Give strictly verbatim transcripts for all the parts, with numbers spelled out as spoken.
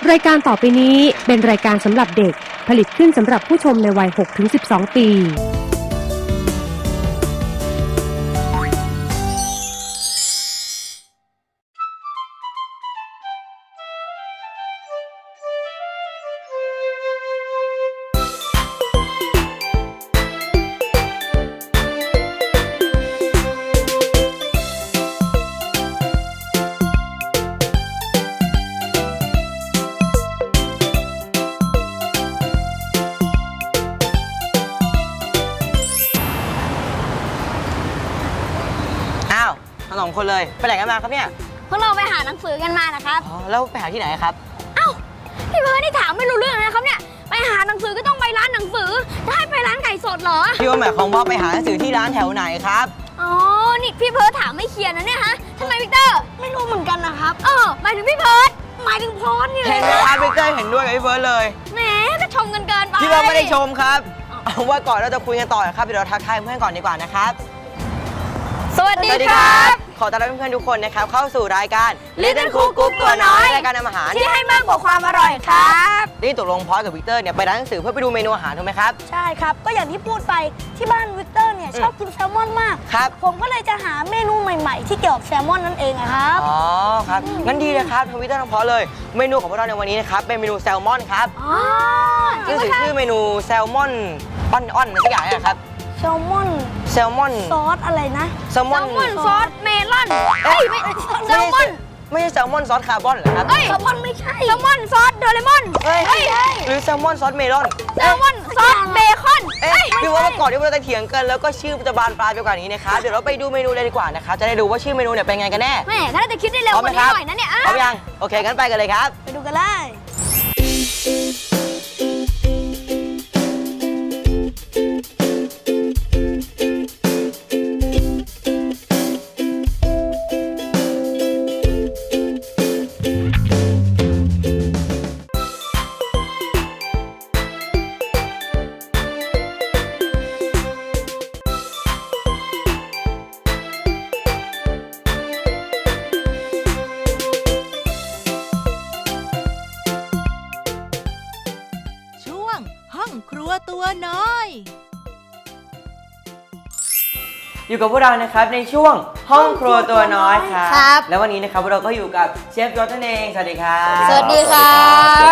รายการต่อไปนี้เป็นรายการสำหรับเด็กผลิตขึ้นสำหรับผู้ชมในวัย หกถึงสิบสอง ปีสองคนเลยไปไหนกันมาครับเนี่ยพวกเราไปหาหนังสือกันมานะครับอ๋อแล้วไปหาที่ไหนครับเอ้าพี่เพิร์ดนี่ถามไม่รู้เรื่องนะครับเนี่ยไปหาหนังสือก็ต้องไปร้านหนังสือจะให้ไปร้านไก่สดเหรอพี่ว่าหมายความว่าไปหาหนังสือที่ร้านแถวไหนครับอ๋อนี่พี่เพิร์ดถามไม่เคลียร์นะเนี่ยฮะทำไมวิกเตอร์ไม่รู้เหมือนกันนะครับเออหมายถึงพี่เพิร์ดหมายถึงพรนี่เลยเห็นไหมครับวิกเตอร์เห็นด้วยกับพี่เพิร์ดเลยแหมก็ชมกันเกินไปพี่เพิร์ดไม่ได้ชมครับเอาว่าก่อนเราจะคุยกันต่อครับเดี๋ยวเราทักทายเพื่อนก่อนดีกว่านะครับสวัสดีครับขอต้อนรับเพื่อนๆทุกคนนะครับเข้าสู่รายการ Little Cook Group ตัวน้อยรายการทำอาหารที่ให้มากกว่าความอร่อยครับนี่ตกลงพอสกับวิกเตอร์เนี่ยไปร้านหนังสือเพื่อไปดูเมนูอาหารถูกไหมครับใช่ครับก็อย่างที่พูดไปที่บ้านวิกเตอร์เนี่ยชอบกินแซลมอนมากครับผมก็เลยจะหาเมนูใหม่ๆที่เกี่ยวกับแซลมอนนั่นเองครับอ๋อครับงั้นดีเลยครับทวิตเตอร์ทั้งพอเลยเมนูของพวกเราในวันนี้นะครับเป็นเมนูแซลมอนครับอ๋อซึ่งชื่อเมนูแซลมอนปั้นอ้อนอะไรสักอย่างนะครับแซลมอนแซลมอนซอสอะไรนะแซลมอนซอสเมลอนเอ้ยไม่แซลมอนไม่ใช่แซลมอนซอสคาร์บอนเหรอครับเอ้ยแซลมอนไม่ใช่แซลมอนซอสโดเรมอนเฮ้ยหรือแซลมอนซอสเมลอนแซลมอนซอสเบคอนเอ้ยพี่ว่าก่อนที่เราจะเถียงกันแล้วก็ชื่อจะบานปลายไปกว่านี้นะครับเดี๋ยวเราไปดูเมนูเลยดีกว่านะครับจะได้ดูว่าชื่อเมนูเนี่ยเป็นไงกันแน่แม่ถ้าจะคิดได้เร็วกว่านี้หน่อยนะเนี่ยพร้อมยังโอเคงั้นไปกันเลยครับไปดูกันเลยครัวตัวน้อยอยู่กับพวกเรานะครับในช่วงห้องครัวตัวน้อยครับแล้ววันนี้นะครับเราก็อยู่กับเชฟยศนั่นเองสวัสดีครับสวัสดีครับ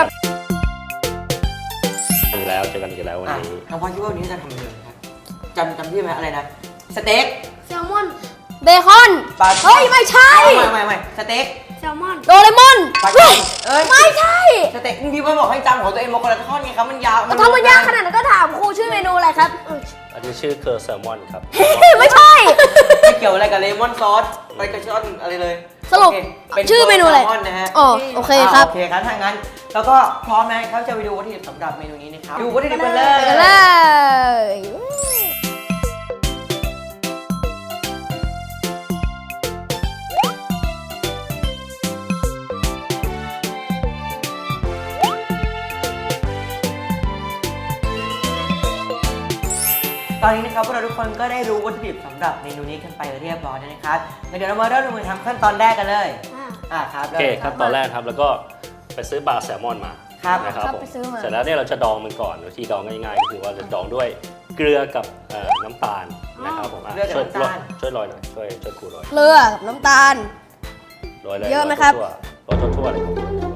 อีกแล้วเจอกันอีกแล้ววันนี้น้องพ่อคิดว่าวันนี้จะทำอะไรครับจำจำที่ไหมอะไรนะสเต็กแซลมอนเบคอนเฮ้ยไม่ใช่ไม่ไม่ไม่สเต็กแซลมอนโดเรมอนเฮ้ยไม่ใช่สเต็กพี่ว่าบอกให้จำของตัวเองมาคนละท่อนไงครับมันยาวถ้ามันยากขนาดนั้นก็ถามครูชื่อเมนูอะไรครับอันนี้ชื่อเคอร์แซลมอนครับไม่ใช่ไม่เกี่ยวอะไรกับเลมอนซอสอะไรกับซอสอะไรเลยสรุปชื่อเมนูอะไรนะฮะอ๋อโอเคครับโอเคครับถ้างั้นแล้วก็พร้อมนะครับจะไปดูวัตถุดิบสำหรับเมนูนี้นะครับดูวัตถุดิบกันเลยกันเลยตอนนี้นะครับพวกเราทุกคนก็ได้รู้วัตถุดิบสำหรับเมนูนี้กันไปเรียบร้อยแล้วนะครับเดี๋ยวเรามาเริ่มลงมือทำขั้นตอนแรกกันเลยอ่าครับโอเคขั้นตอนแรกครับแล้วก็ไปซื้อปลาแซลมอนมานะครับผมเสร็จแล้วเนี่ยเราจะดองมันก่อนวิธีดองง่ายๆก็คือว่าจะดองด้วยเกลือกับน้ำตาลนะครับผมช่วยช่วยโรยหน่อยช่วยช่วยครูโรยเกลือกับน้ำตาลโรยเลยเยอะไหมครับโรยทั่วๆเลย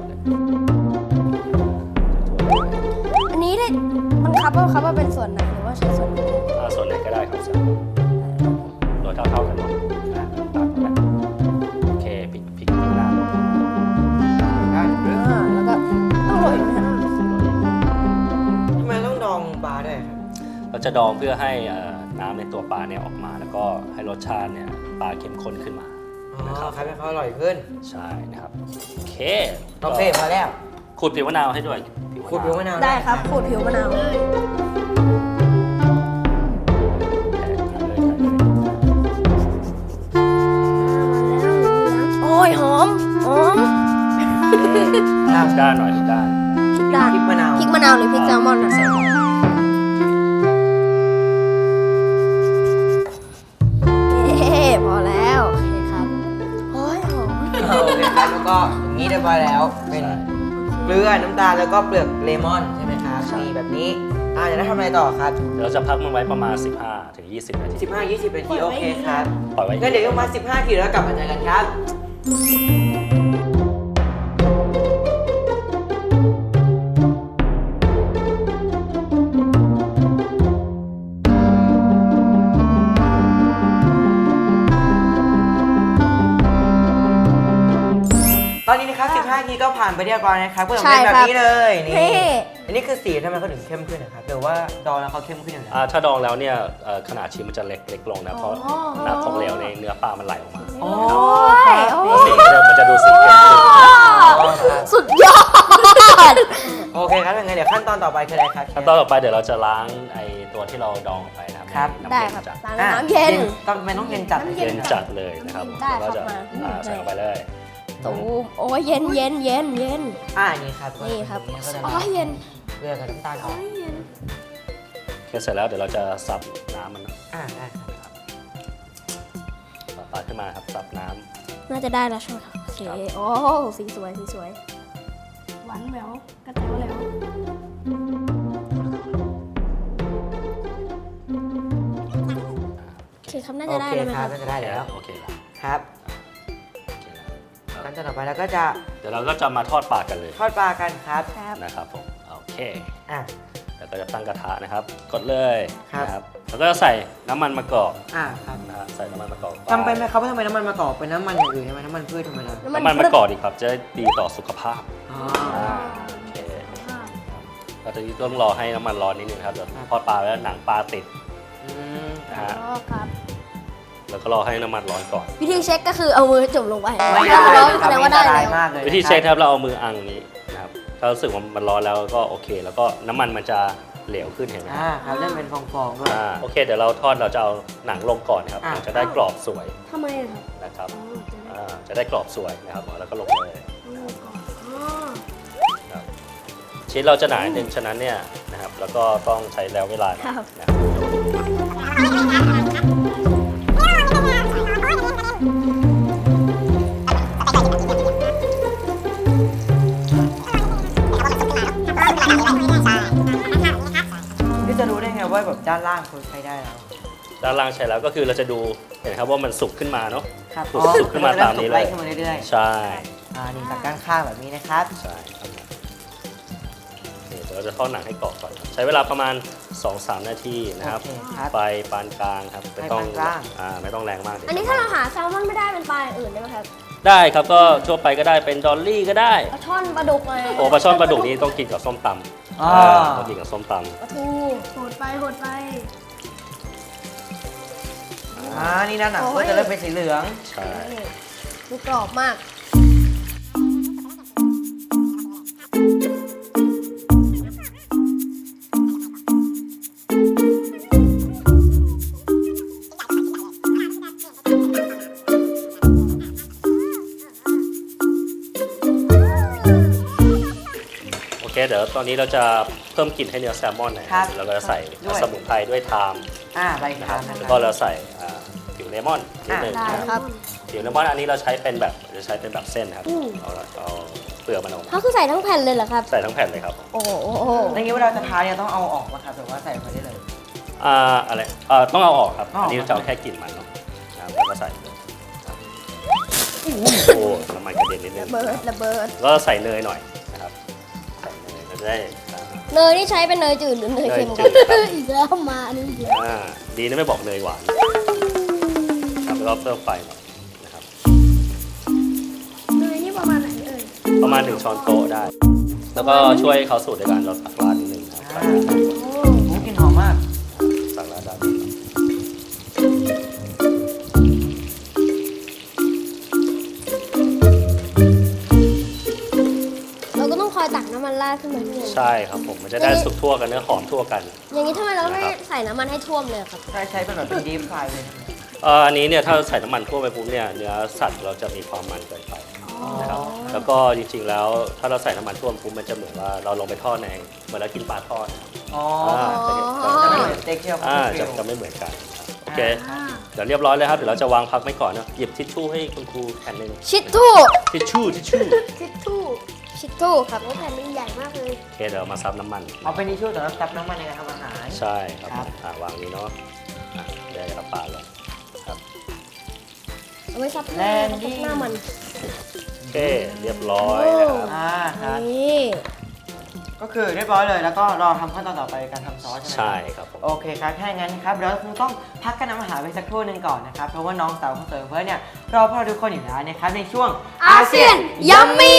อันนี้ได้มันครับว่าครับว่าเป็นส่วนไหนหรือว่าใช้ส่วนไหนส่วนไหนก็ได้ครับโรยเท่าๆกันหมดโอเคพริกพริกพริกน้ำแล้วก็ต้องโรยไหมครับทำไมต้องดองปลาด้วยครับเราจะดองเพื่อให้น้ำในตัวปลาเนี่ยออกมาแล้วก็ให้รสชาติเนี่ยปลาเข้มข้นขึ้นมานะครับให้เขาอร่อยขึ้นใช่นะครับโอเคโอเคพอแล้วขูดผิวมะนาวให้ด้วยขูดผิวมะนาวได้ครับขูดผิวมะนาวโอ้ยหอมหอมด้านหน่อยด้านพริกด้านพริกมะนาวพริกมะนาวหรือพริกแซลมอนนะแซลมอนพอแล้วโอเคครับโอ้ยหอมโอเคครับแล้วก็อย่างนี้เรียบร้อยแล้วเป็นเกลือน้ำตาลแล้วก็เปลือกเลมอนใช่ไหมครับนี่แบบนี้อ่าจะได้ทำอะไรต่อครับเดี๋ยวเราจะพักมันไว้ประมาณ สิบห้าถึงยี่สิบ นาทีสิบห้า ยี่สิบนาทีโอเคครับปล่อยไว้งั้นเดี๋ยวประมาณสิบห้านาทีแล้วกลับมาเจอกันครับ ตอนนี้นะครับสิบห้านาทีก็ผ่านไปเรียบร้อยนะครับก็จะเป็นแบบนี้เลยนี่เท่อันนี้คือสีทำไมเขาถึงเข้มขึ้นนะครับหรือว่าดองแล้วเขาเข้มขึ้นอยู่แล้วอ่าถ้าดองแล้วเนี่ยเอ่อขนาดชิ้นมันจะเล็กเล็กลงนะเพราะน้ำของเหลวในเนื้อปลามันไหลออกมาโอ้นะครับครับแล้วสีมันจะดูสีเข้มขึ้นสุดยอดโอเคครับยังไงเดี๋ยวขั้นตอนต่อไปคืออะไรครับขั้นตอนต่อไปเดี๋ยวเราจะล้างไอ้ตัวที่เราดองไปนะครับครับในได้น้ำครับเย็นจัดล้างน้ำเย็นต้องไม่ต้องเย็นจัดน้ำเย็นจัดเลยนะครับได้แล้วก็จะครับมาอ่าใส่ลงไปเลยตูมโอ้ยเย็นเย็นเย็นเย็นอ่านี่ครับนี่ครับก็จะอ๋อเย็นเกลือกับน้ำตาลออกโอเคเสร็จแล้วเดี๋ยวเราจะซับน้ำมันนะอ่าได้ครับต่อปลาขึ้นมาครับซับน้ำน่าจะได้แล้วใช่ไหมครับโอเคโอ้สีสวยสีสวยหวานแหววกระเต๋วแล้วโอเคครับน่าจะได้โอเคแล้วนะคครัรับบ น่าจะได้แล้วโอเคแล้วครับโอเคแล้วขั้นตอนต่อไปเราก็จะเดี๋ยวเราก็จะมาทอดปลากันเลยทอดปลากันครับครับนะครับผมโอเคอ่ะแล้วก็จะตั้งกระทะนะครับ กดเลยครับนะครับแล้วก็จะใส่น้ำมันมะกอกอ่าครับนะฮะใส่น้ำมันมะกอกจำเป็นไหมครับว่าทำไมน้ำมันมะกอกเป็นน้ำมันอย่างอื่นใช่ไหมน้ำมันพืชธรรมดาน้ำมันมะกอกดีครับจะได้ดีต่อสุขภาพอ๋ออ่าโอเคเราจะต้องรอให้น้ำมันร้อนนิดนึงนะครับเดี๋ยวทอดปลาแล้วหนังปลาติดอืมนะฮะอ๋อครับแล้วก็รอให้น้ำมันร้อนก่อนวิธีเช็คก็คือเอามือจุ่มลงไปไม่ได้ร้อนคแสรับดงไม่ว่าได้อันตแล้รายว มากเลยวิธีเช็คครับเราเอามืออังนี้นะครับถ้ารู้สึกว่ามันร้อนแล้วก็โอเค แล้วก็น้ำมันมันจะเหลวขึ้นเห็นไหมอ่าครับเริ่มเป็นฟองๆด้วยอ่าโอเคเดี๋ยวเราทอดเราจะเอาหนังลงก่อนครับอ่ะมันจะได้กรอบสวยทำไมอะครับนะครับอ๋อจะได้อ่าจะได้กรอบสวยนะครับแล้วก็ลงเลยอ๋อครับชิ้นเราจะหนาหนึ่งฉะนั้นเนี่ยนะครับแล้วก็ต้องใช้แล้วเวลาหน่อยนะครับพี่จะรู้ได้ไงว่าแบบด้านล่างคนใช้ได้แล้วด้านล่างใช้แล้วก็คือเราจะดูเห็นครับว่ามันสุกขึ้นมาเนาะครับสุกสุกขึ้นมาตามนี้เลยไล่ขึ้นมาเรื่อยใช่ๆอ่านี่จากด้านข้างแบบนี้นะครับใช่ครับนี่เดี๋ยวเราจะทอดหนังให้กรอบก่อนครับใช้เวลาประมาณ สองถึงสาม นาทีนะครับโอเคครับไฟปานกลางครับไม่ต้องไฟปานกลางอ่าไม่ต้องแรงมากเดี๋ยวอันนี้ถ้าเราหาแซลมอนไม่ได้เป็นปลาอย่างอื่นได้ไหมครับได้ครับก็ทั่วไปก็ได้เป็นดอลลี่ก็ได้ปลาช่อนปลาดุกอะไรโอ้ปลาช่อนปลาดุกนี่ต้องกินกับส้มตำอ๋ออ่าต้องกินกับส้มตปลาทูโหดไปโหดไปอ่านี่ด้านหนังก็จะเริ่มเป็นสีเหลืองำใช่ดูกรอบมากโอเคเดี๋ยวตอนนี้เราจะเพิ่มกลิ่นให้เนื้อแซลมอนหน่อยครับแล้วก็จะใส่ด้วยสมุนไพรด้วยไทม์อ่าใบนะขาคว รับนะคแล้วรับก็เราใส่อ่าผิวเลมอนนิดหนึงได้นะครับผิวเลมอนอันนี้เราใช้เป็นแบบจะใช้เป็นแบบเส้นครับอืมเอาละเอาเปลือกมันออกมาเขาคือใส่ทั้งแผ่นเลยเหรอครับใส่ทั้งแผ่นเลยครับโอ้โหในนี้เวลาจะทานเนี่ยต้องเอาออกมาครับหรือว่าใส่ไปได้เลยอ่าอะไรอ่าต้องเอาออกครับเอาออกอันนี้จะเอาแค่กลิ่นมันเนาะนะครับแล้วก็ใส่เลยครับโอ้น้ำมันกระเด็นนิดนึงระเบิดระเบิดแล้วก็ใส่เนยหน่อยนะครับใส่เนยเราจะได้อ่าเนยนี่ใช้เป็นเนยจืดหรือเนยเค็มเนยคจืรับดครับอีกแล้วมาอันนี้อีกแล้วอ่าดีนะไม่บอกเนยหวานครับแล้วก็เพิ่มไฟหน่อยนะครับเนยนี่ประมาณไหนเอ่ยประมาณหนึ่งช้อนโต๊ะได้ แล้วก็ช่วยเขาสูตรในการเราตักราดนิดนึงนะครับอ่าโอ้โอ้กลิ่นหอมมากตักราดด้านนี้เราก็ต้องคอยตักน้ำมันราดขึ้นมาด้วยใช่ครับผมมันจะได้สุกทั่วกันเนื้อหอมทั่วกันอย่างนี้ทำไมเราไม่นะครับใส่น้ำมันให้ท่วมเลยครับใช้ใช้เป็นแบบเป็นดีฟไฟเลยนะเอ่ออันนี้เนี่ยถ้าใส่น้ำมันทั่วไปปุ๊บเนี่ยเนื้อสัตว์เราจะมีความมันเกินไปนะครับแล้วก็จริงๆแล้วถ้าเราใส่น้ำมันท่วมปุ๊บมันจะเหมือนว่าเราลงไปทอดในเหมือนเรากินปลาทอดอ๋ออ่าจะจะไม่จะเหมือนสเต็กที่เราอ่าคุจะกจะไม่เหมือนกันครับโอเคเดี๋ยวเรียบร้อยเลยครับเดี๋ยวเราจะวางพักไว้ก่อนนะหยิบทิชชู่ให้คุณครูแผ่นหนึ่งชิดทู่ทิชชู่ทิชชู่ชิดทู่ชิตทูครับโอ้แผ่นมันใหญ่มากเลยโอเคเดี๋ยวมาซับน้ำมันเอาเป็นทิชชู่สำหรับซับน้ำมันในการทำอาหารใช่ครับครับอ่ะวางนี้เนาะอ่ะเดี๋ยวจะปาดเลยครับเอาไว้ซับหแลน้านดิ้งหน้ามันโอเคเรียบร้อยนะครับอ่าครับนี่ก็คือเรียบร้อยเลยแล้วก็รอทำขั้นตอนต่อไปการทำซอสใช่ไหมใช่ครับผมโอเคครับถ้าอย่างนั้นครับเราคงต้องพักกันทำอาหารไปสักครู่หนึ่งก่อนนะครับเพราะว่าน้องสาวของเสริมเพื่อนเนี่ยรอพวกเราทุกคนอยู่แล้วนะครับในช่วงอาเซียนยัมมี่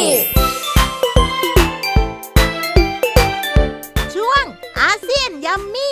ช่วงอาเซียนยัมมี่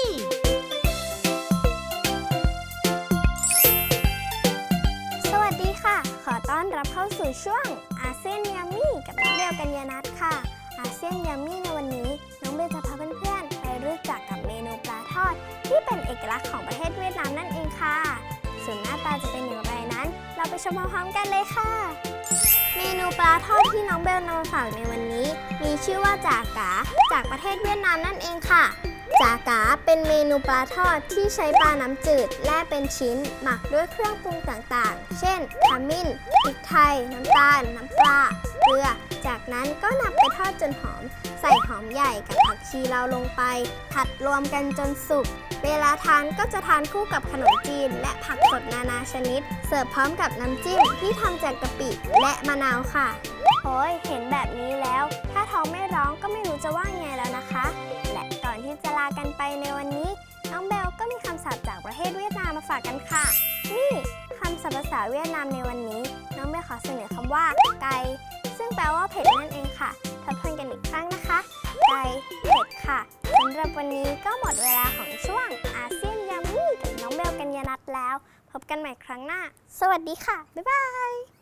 สวัสดีค่ะ ขอต้อนรับเข้าสู่ช่วงอาเซียนยัมมี่กับน้องเบลกัญญานัทค่ะ อาเซียนยัมมี่ในวันนี้น้องเบลจะพาเพื่อนๆไปรู้จักกับเมนูปลาทอด ที่เป็นเอกลักษณ์ของประเทศเวียดนามนั่นเองค่ะ ส่วนหน้าตาจะเป็นอย่างไรนั้น เราไปชมพร้อมๆกันเลยค่ะ เมนูปลาทอดที่น้องเบลนำมาฝากในวันนี้ มีชื่อว่าจากาจากประเทศเวียดนามนั่นเองค่ะ จากาเป็นเมนูปลาทอดที่ใช้ปลาน้ำจืดแล่เป็นชิ้น หมักด้วยเครื่องปรุงต่างๆ เช่นขมิ้นพริกไทย น้ำตาล น้ำปลาเกลือ จากนั้นก็นำไปทอดจนหอม ใส่หอมใหญ่กับผักชีลาวลงไป ผัดรวมกันจนสุก เวลาทานก็จะทานคู่กับขนมจีน และผักสดนานาชนิด เสิร์ฟพร้อมกับน้ำจิ้มที่ทำจากกะปิและมะนาวค่ะโอ้ยเห็นแบบนี้แล้ว ถ้าท้องไม่ร้องก็ไม่รู้จะว่าไงแล้วนะคะ และก่อนที่จะลากันไปในวันนี้ น้องเบลก็มีคำศัพท์จากประเทศเวียดนามมาฝากกันค่ะ นี่คำศัพท์ภาษาเวียดนามในวันนี้ น้องเบลขอเสนอคำว่าไก่ซึ่งแปลว่าเผ็ดนั่นเองค่ะทบทวนกันอีกครั้งนะคะไก่เผ็ดค่ะสำหรับวันนี้ก็หมดเวลาของช่วงอาเซียนยัมมี่กับน้องเบลกัญญานัทแล้ว พบกันใหม่ครั้งหน้า สวัสดีค่ะ บ๊ายบาย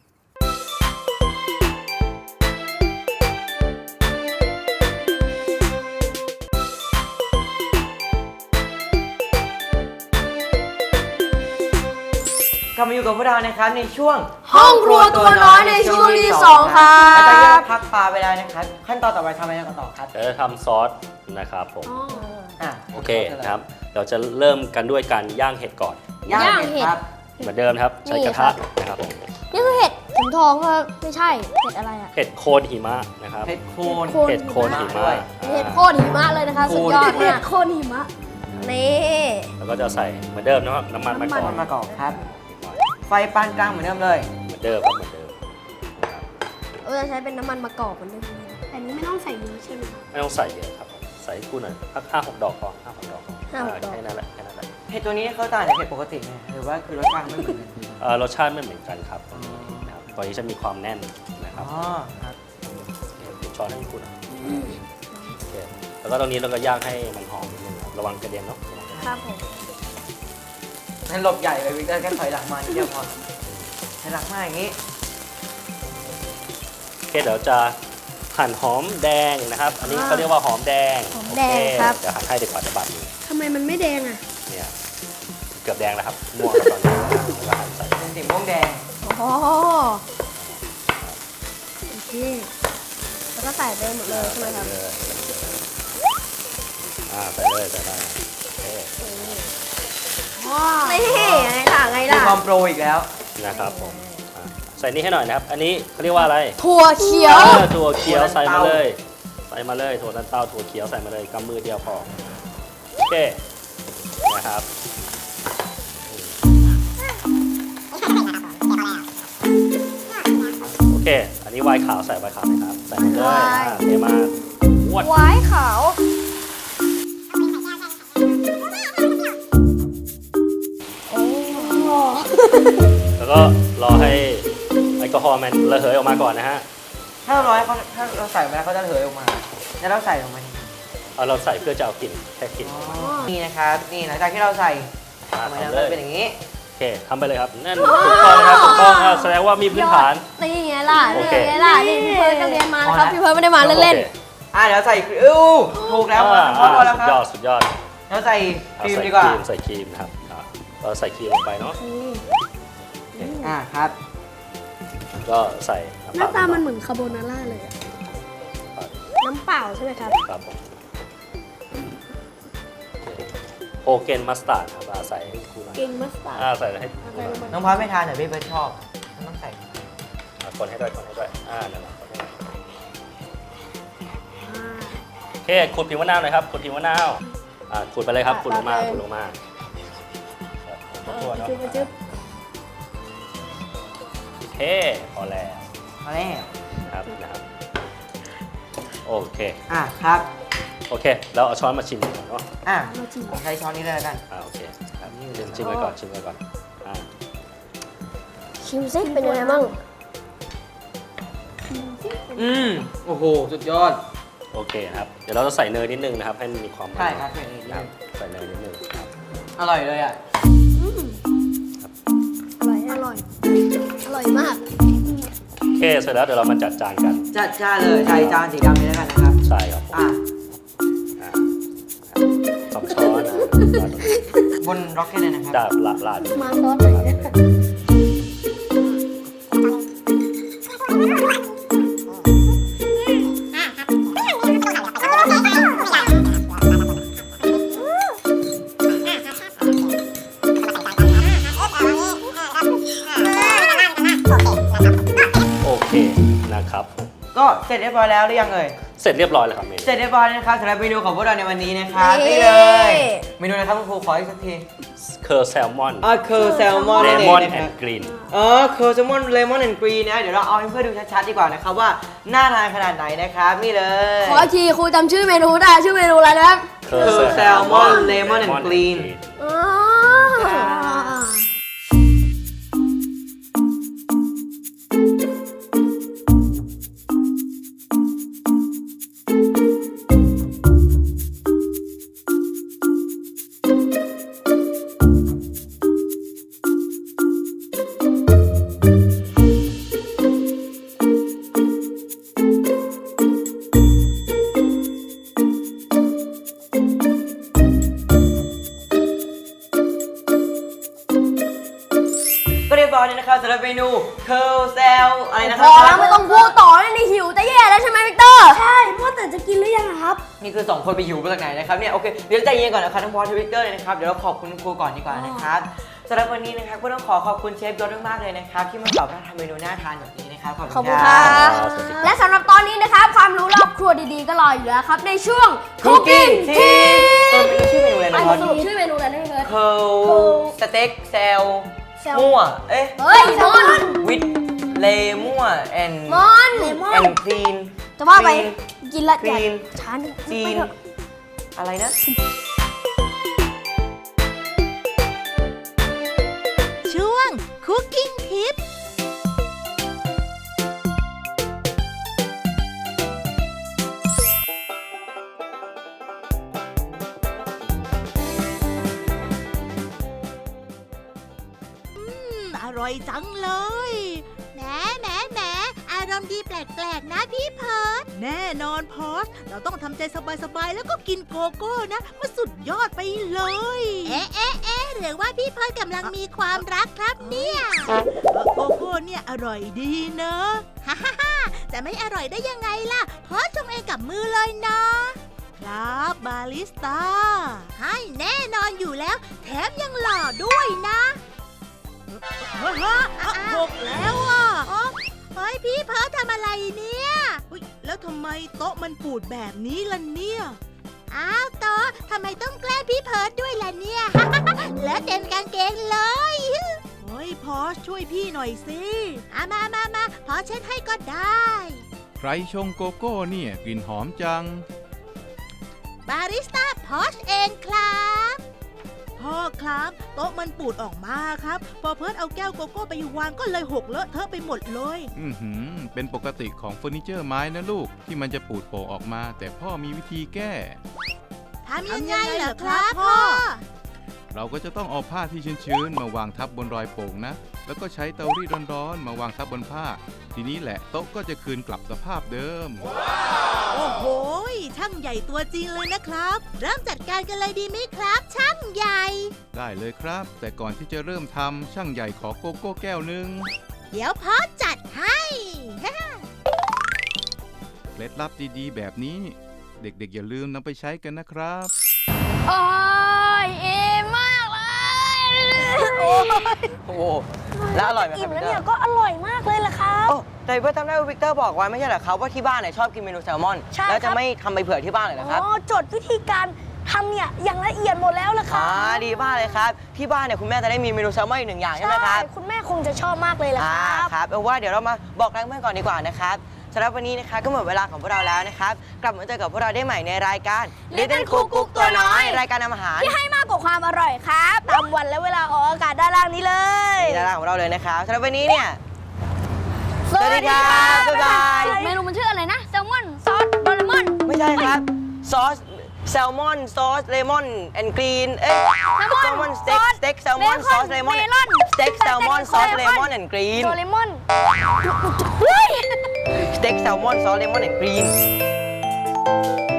กลับมาอยู่กับพวกเรานะครับในช่วงห้องครัวตัวน้อยในช่วงที่สองครับแล้วตอนนี้เราพักปลาไปแล้วนะครับขั้นตอนต่อไปทำอะไรกันต่อครับเดี๋ยวจะทำซอสนะครับผมอ่ะโอเคนะครับ เราจะเริ่มกันด้วยการย่างเห็ดก่อนย่างย่างเห็ดเห็ดครับเหมือนเดิมนะครับใช้กระทะนะครับผมนี่คือเห็ดเข็มทองครับไม่ใช่เห็ดอะไรอะเห็ดโคนหิมะนะครับเห็ดโคนเห็ดโคนหิมะเห็ดอ่าโคตรหิมะเลยนะคะสุดยอดมากโคตรหิมะนี่แล้วก็จะใส่เหมือนเดิมนะครับน้ำมันมะกอกมันมากอกครับ ไฟปานกลางเหมือนเดิมเลยเหมือนเดิมครับเหมือนเดิมนะครับเราจะใช้เป็นน้ำมันมะกอกเหมือนเดิมอันนี้ไม่ต้องใส่เยอะใช่ไหมไม่ต้องใส่เยอะครับผมใส่ให้กูหน่อยสักห้าหกดอกพอห้าหกดอกห้าหกดอกแค่นั้นแหละแค่นั้นแหละเห็ดตัวนี้เขาต่างจากเห็ดปกติไหมหรือว่าคือรสชาติไม่เหมือนกันเอ่อรสชาติไม่เหมือนกันครับนะครับตัวนี้จะมีความแน่นนะครับอ๋อครับเดี๋ยวช้อนให้คุณหน่อยโอเคแล้วก็ตรงนี้เราก็ย่างให้มันหอมนิดนึงครับระวังกระเด็นเนาะครับผมนั่นหลบใหญ่เลยวิกเตอร์แค่ถอยหลังมานิดเดียวพอถอยหลังมาอย่างนี้โอเคเดี๋ยวจะหั่นหอมแดงนะครับ อันนี้เขาเรียกว่าหอมแดงหอมแดงครับโอเดี๋ยวหั่นให้ดีกว่าจะบาดมือทำไมมันไม่แดงอ่ะเนี่ยเกือบแดงแล้วครับม่วงแล้วตอนนี้แล้วก็หั่นใส่เป็นสีม่วงแดงอ๋อโอเคแล้วก็ใส่ไปหมดเลยใช่ไหมครับใส่เลยอ่าใส่เลยใส่ได้โอเคนี่ไงล่ะไงมีล่ะความโปรอีกแล้วนะครับผมอ่าใส่นี่ให้หน่อยนะครับ อันนี้เขาเรียกว่าอะไรถั่วเขียวเออถั่วเขียวถั่วลันใส่มาเต้าเลยใส่มาเลยถั่วลันเต้าถั่วเขียวใส่มาเลยกำมือเดียวพอโอเคนะครับโอเค อันนี้ไวน์ขาวใส่ไวน์ขาวไหมครับใส่มาเลยไวน์อ่าเทมาอ้วนไว้ขาวแล้วก็รอให้แอลกอฮอล์มันระเหยออกมาก่อนนะฮะถ้าเราร้อยเขาถ้าเราใส่ไปแล้วเขาจะเหยออกมา แล้วเราใส่ลงไปเอาเราใส่เพื่อจะเอากลิ่นแค่กลิ่นนี่นะครับ นี่หลังจากที่เราใส่อ่าทำไมทำเราเลยเป็นอย่างนี้โอเคทำไปเลยครับนั่นถูกต้องนะครับถูกต้องอ่าแสดงว่ามีพื้นฐานนี่ไงล่ะโอนี่เคไงล่ะนี่พี่เพิร์ดก็เรียนมานะครับ พี่เพิร์ดไม่ได้มาเล่นอ่าเดี๋ยวใส่ครีมอู้ถูกแล้วอ่าพอแล้วสุคดยรัอบ ดสุดยอดเราใส่คเอารีมใส่ดีคกว่ารีมใส่ครีมนะครับอ่าเราใส่ครีมลงไปเนาะอ่าครับก็ใส่ๆหน้าตามันเหมือนคาโบนาร่าเลยอะน้ำเปล่าใช่ไหมครับครับผมโอเกนมัสตาร์ดครับอ่าใส่ให้ครูหน่อยเก่งมัสตาร์ดอ่าใส่ให้ครูหน่อยน้องพาไม่ทานแต่พี่เบิร์ดชอบมันต้องใส่อ่าคนให้ด้วยคนให้ด้วยอ่านั่นแหละคนให้ด้วยขูดผิวมะนาวหน่อยครับขูดผิวมะนาวอ่าขูดไปเลยครับขูดลงมาขูดลงมาทั่วๆเนาะจุ๊บจุ๊บโอเคพอแล้วมาแล้วนะครับนะครับโอเคอ่ะครับโอเคเราเอาช้อนมาชิมก่อนเนาะอ่ะเราชิมใช้ช้อนนี้เลยแล้วกันอ่าโอเคครับชิมชิมไปก่อนชิมไปก่อนอ่าชิมซิเป็นยังไงบ้างอืมโอ้โหสุดยอดโอเคครับเดี๋ยวเราจะใส่เนยนิดนึงนะครับให้มันมีความมันใช่ครับใส่เนยนิดนึงครับใส่เนยนิดนึงครับอร่อยเลยอ่ะอร่อยอร่อยอร่อยมากโอเคเสร็จแล้วเดี๋ยวเรามาจัดจานกันจัดจ้านเลยใส่จานสีดำนี้แล้วกันนะครับใช่ครับผมอ่ะอ่าสองช้อนนะบนร็อกเก็ตเลยนะครับดาบละลาดมาซอสหน่อยนะโอเคนะครับก็เสร็จเรียบร้อยแล้วหรือยังเอ่ยเสร็จเรียบร้อยแล้วครับเมนูเสร็จเรียบร้อยแล้วนะครับสำหรับเมนูของพวกเราในวันนี้นะครับนี่เลย เมนูนะครับคุณครูขออีกสักทีเคอร์แซลมอนอ๋อเคอร์แซลมอนเลนั่นเอมอง นนะแอคน รับด์กรีนอ๋อเคอร์แซลมอนเลมอนแอนด์กรีนนะเดี๋ยวเราเอาให้เพื่อนดูชัดๆดีกว่านะครับว่าน่าทานขนาดไหนนะครับนี่เลยขออีกทีครูจำชื่อเมนูได้ชื่อเมนูอะไรนะครับเคอร์คือแซลมอนเลมอนแอนด์กรีนอ๋อก็เรียบร้อยแล้วนะครับสำหรับเมนูเคอร์แซลอะไรนะคพรับอแล้วไม่ต้องพูดต่อแล้วนี่หิวจะแย่แล้วใช่ไหมวิกเตอร์ใช่พ่อแต่จะกินหรือยังครับนี่คือสองคนไปหิวมาจากไหนนะครับเนี่ยโอเคเดี๋ยวเราใจเย็นก่อนนะครับทั้งบอสทวิตเตอร์เลยนะครับเดี๋ยวเราขอบคุณครูก่อนดีกว่านะครับสำหรับวันนี้นะครับก็ต้องขอขอบคุณเชฟยศมากๆเลยนะครับที่มาสอนเราทำเมนูน่าทานแบบนี้นะครับขอบขอบคุคุณ ณคครัรับ บ และสำหรับตอนนี้นะครับความรู้รอบครัวดีๆก็รออยู่แล้วครับในช่วง Cooking Cooking Tips เออ Tips ชื่อเมนูอะไรอ่ะนะบอสสรุปชื่อเมนูอะไรนะพี่เพิร์ดเคอร์สเต็กแซลแซลมั่วเอ๊ะเฮ้ยมอนวิดเลมั่วแอนมอนเลมอแอน นคลีนจะว่าไปกินละคลีนช้านิดจีนอะไรนะช่วง Cooking Tip อร่อยจังเลยแหมแหมแหมอารมณ์ดีแปลกๆนะพี่เพิร์ดแน่นอนพอสเราต้องทำใจสบายๆแล้วก็กินโกโก้นะมันสุดยอดไปเลยเอ๊ะเอ๊ะเอ๊ะหรือว่าพี่เพิร์ดกำลังมีความรักครับเนี่ยโกโก้เนี่ยอร่อยดีเนอะฮ่าฮ่าฮ่าจะไม่อร่อยได้ยังไงล่ะพอสชงเองกับมือเลยนะครับบาริสต้าให้แน่นอนอยู่แล้วแถมยังหล่อด้วยนะเฮ้ยหกแล้วอ่ะเฮ้ยพี่เพิร์ททำอะไรเนี่ยแล้วทำไมโต๊ะมันปูดแบบนี้ล่ะเนี่ยอ้าวโต๊ะทำไมต้องแกล้งพี่เพิร์ทด้วยล่ะเนี่ย แล้วเต็มกางเกงเลยเฮ้ยพอช่วยพี่หน่อยสิอามามามาพอเช็ดให้ก็ได้ใครชงโกโก้เนี่ยกลิ่นหอมจังบาริสต้าพอชเองครับพ่อครับโต๊ะมันปูดออกมาครับพอเพิร์ทเอาแก้วโกโก้ไปวางก็เลยหกเลอะเทอะไปหมดเลยอือหือ เป็นปกติของเฟอร์นิเจอร์ไม้นะลูกที่มันจะปูดโป่งออกมา แต่พ่อมีวิธีแก้ทำยังไงเหรอครับพ่อเราก็จะต้องเอาผ้าที่ชื้นๆมาวางทับบนรอยโป่งนะ แล้วก็ใช้เตารีดร้อนๆมาวางทับบนผ้า ทีนี้แหละโต๊ะก็จะคืนกลับสภาพเดิมโอ้โหช่างใหญ่ตัวจริงเลยนะครับ เริ่มจัดการกันเลยดีไหมครับ ช่างใหญ่ได้เลยครับ แต่ก่อนที่จะเริ่มทำช่างใหญ่ขอโกโก้แก้วหนึ่งเดี๋ยวพ่อจัดให้เคล็ดลับดีๆ แบบนี้ เด็กๆอย่าลืมนำไปใช้กันนะครับโอ้ยเอมากเลยโอ้โหแล้วอร่อยไหมคอิ่รับมวิแล้วกเตอเนี่ยร์ก็อร่อยมากเลยล่ะครับโอ้แต่เพื่อนจำได้ว่าวิกเตอร์บอกไว้ไม่ใช่เหรอครับว่าที่บ้านเนี่ยชอบกินเมนูแซลมอนใช่แล้วครัจะบไม่ทำไปเผื่อที่บ้านเลยเหรอครับอ๋อจดวิธีการทำเนี่ยอย่างละเอียดหมดแล้วล่ะครัอ่าบดีมากเลยครับที่บ้านเนี่ยคุณแม่จะได้มีเมนูแซลมอนอีกหนึ่งอย่างใช่ไหมครับคุณแม่คงจะชอบมากเลยล่ะอ่าครับครับเอาว่าเดี๋ยวเรามาบอกแรงเพื่อนก่อนดีกว่านะครับสำหรับวันนี้นะคะก็หมดเวลาของพวกเราแล้วนะครับกลับมาเจอกับพวกเราได้ใหม่ในรายการ Little Cook กุ๊กตัวน้อยรายการทำอาหารที่ให้มากกว่าความอร่อยครับตามวันและเวลาออกอากาศด้านล่างนี้เลยในรายการของเราเลยนะครับสำหรับวันนี้เนี่ยสวัสดีครับบ๊ายบายเมนูมันชื่ออะไรนะ แซลมอน ซอส โดเรมอนไม่ใช่ครับซอสแซลมอนซอสเลมอนแอนด์กรีนเอ้ยแซลมอนสเต็กสเต็กแซลมอนซอสเลมอนสเต็กแซลมอนซอสเลมอนแอนด์กรีนโดเรมอนสเต็กแซลมอนซอสเลมอนแอนด์กรีน